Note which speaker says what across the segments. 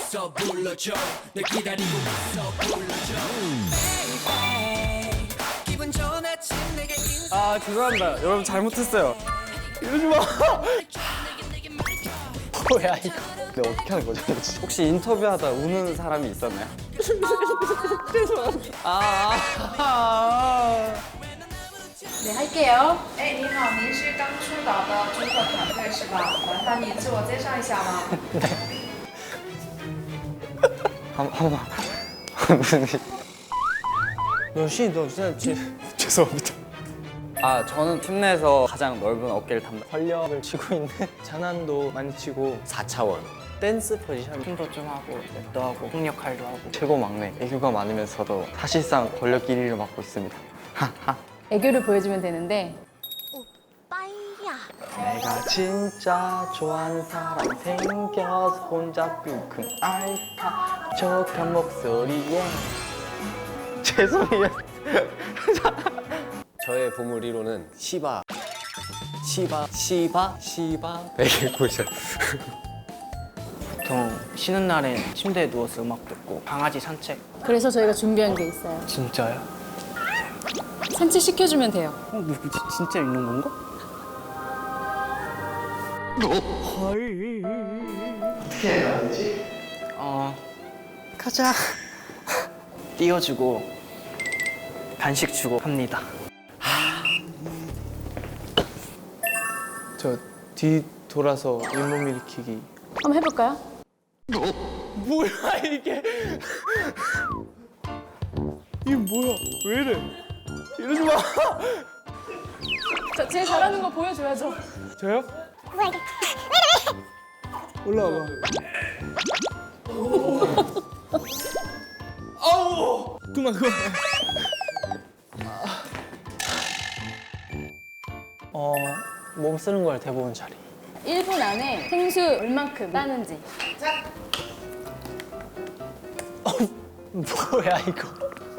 Speaker 1: 있어 불러줘 널 기다리고 있어 불러줘 기분 좋은 아침 내게 인사
Speaker 2: 아 죄송합니다. 여러분 잘못했어요. 이러지 마. 뭐야 이거.
Speaker 3: 근데 어떻게 하는 거죠?
Speaker 2: 혹시 인터뷰하다 우는 사람이 있었나요? 죄송합니다.
Speaker 4: 네, 할게요.
Speaker 5: 哎，你好，您是刚出岛的主管团队是吧？麻烦你自我介绍一下吗？
Speaker 3: 한번 무슨 일?
Speaker 2: 너 진짜 죄송합니다. 아 저는 팀 내에서 가장 넓은 어깨를 담당.
Speaker 3: 활력을 치고 있는 장난도 많이 치고
Speaker 2: 4차원.
Speaker 3: 댄스 포지션
Speaker 6: 힘도 좀 하고 랩도 하고 폭 역할도 하고
Speaker 3: 최고 막내 애교가 많으면서도 사실상 권력 1위를 맡고 있습니다.
Speaker 4: 애교를 보여주면 되는데
Speaker 3: 내가 진짜 좋아하는 사람 생겨서 혼자 끙끙 앓다 촉촉한 목소리에 죄송해요.
Speaker 7: 저의 보물 1호는 시바 베개 쿠션.
Speaker 6: 보통 쉬는 날엔 침대에 누워서 음악 듣고 강아지 산책.
Speaker 4: 그래서 저희가 준비한 게 있어요.
Speaker 6: 진짜요?
Speaker 4: 산책 시켜주면 돼요.
Speaker 6: 뭐 진짜 있는 건가? 어떻게 해야 되지? 가자. 띄워주고 간식 주고 합니다.
Speaker 3: 저 뒤 돌아서 잇몸 일으키기.
Speaker 4: 한번 해볼까요?
Speaker 3: 뭐야 이게? 이게 뭐야? 왜 이래? 이러지 마.
Speaker 4: 자, 제일 잘하는 거 보여줘야죠.
Speaker 3: 저요? 올라와봐. 아우! 그만.
Speaker 6: 몸 쓰는 걸 대부분 잘해.
Speaker 4: 1분 안에 생수 얼만큼 따는지.
Speaker 6: 뭐야 이거?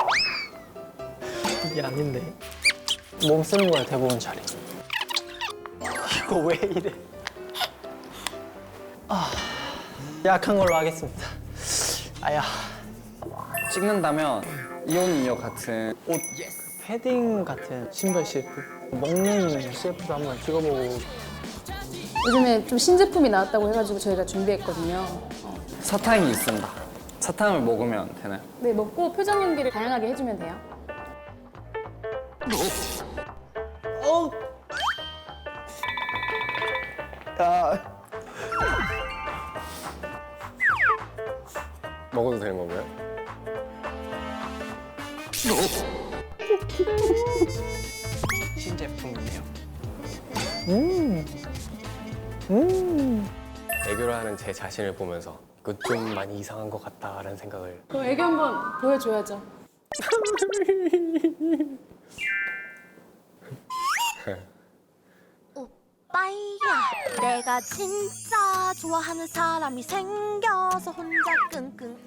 Speaker 6: 이게 아닌데. 몸 쓰는 걸 대부분 잘해. 이거 왜 이래? 약한 걸로 하겠습니다. 아야.
Speaker 2: 찍는다면 이온이어 같은
Speaker 6: 옷 패딩 같은 신발 CF. 먹는 CF도 한번 찍어보고.
Speaker 4: 요즘에 좀 신제품이 나왔다고 해가지고 저희가 준비했거든요.
Speaker 2: 사탕이 있습니다. 사탕을 먹으면 되나요?
Speaker 4: 네, 먹고 표정 연기를 다양하게 해주면 돼요.
Speaker 7: 먹어도 되는 건가요?
Speaker 6: 신제품이네요.
Speaker 7: 애교를 하는 제 자신을 보면서 이거 좀 많이 이상한 것 같다라는 생각을.
Speaker 4: 그럼 애교 한번 보여줘야죠.
Speaker 8: 오빠야 내가 진짜 좋아하는 사람이 생겨서 혼자 끙끙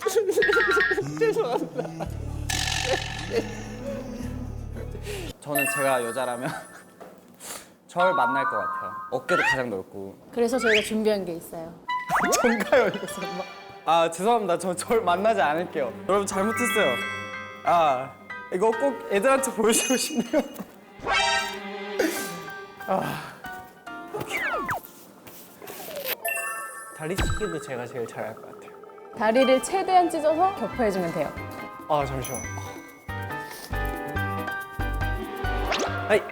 Speaker 2: 저는 제가 여자라면 절 만날 것 같아요. 어깨도 가장 넓고.
Speaker 4: 그래서 저희가 준비한 게 있어요.
Speaker 2: 전가요 이거 설마? 아 죄송합니다. 저 절 만나지 않을게요. 여러분 잘못했어요. 아 이거 꼭 애들한테 보여주고 싶네요.
Speaker 6: 다리 찢기도 제가 제일 잘할 것 같아요.
Speaker 4: 다리를 최대한 찢어서 격파해주면 돼요.
Speaker 6: 잠시만. 아이.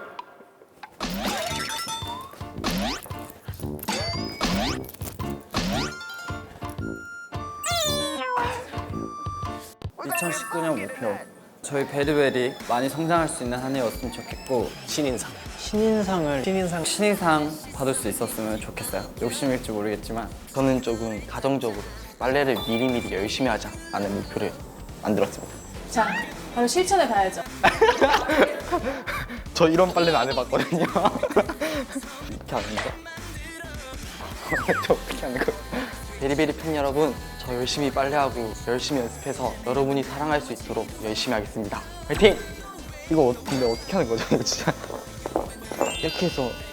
Speaker 2: 2019년 목표. 저희 베리베리 많이 성장할 수 있는 한 해였으면 좋겠고
Speaker 7: 신인상.
Speaker 2: 신인상 받을 수 있었으면 좋겠어요. 욕심일지 모르겠지만
Speaker 3: 저는 조금 가정적으로 빨래를 미리미리 열심히 하자라는 목표를 만들었습니다.
Speaker 4: 자, 바로 실천해 봐야죠.
Speaker 3: 저 이런 빨래는 안 해봤거든요. 이렇게 하는 거? 저 어떻게 하는 거? 베리베리 팬 여러분, 저 열심히 빨래하고 열심히 연습해서 여러분이 사랑할 수 있도록 열심히 하겠습니다. 화이팅! 이거 근데 어떻게 하는 거죠? 이거 진짜 이렇게 해서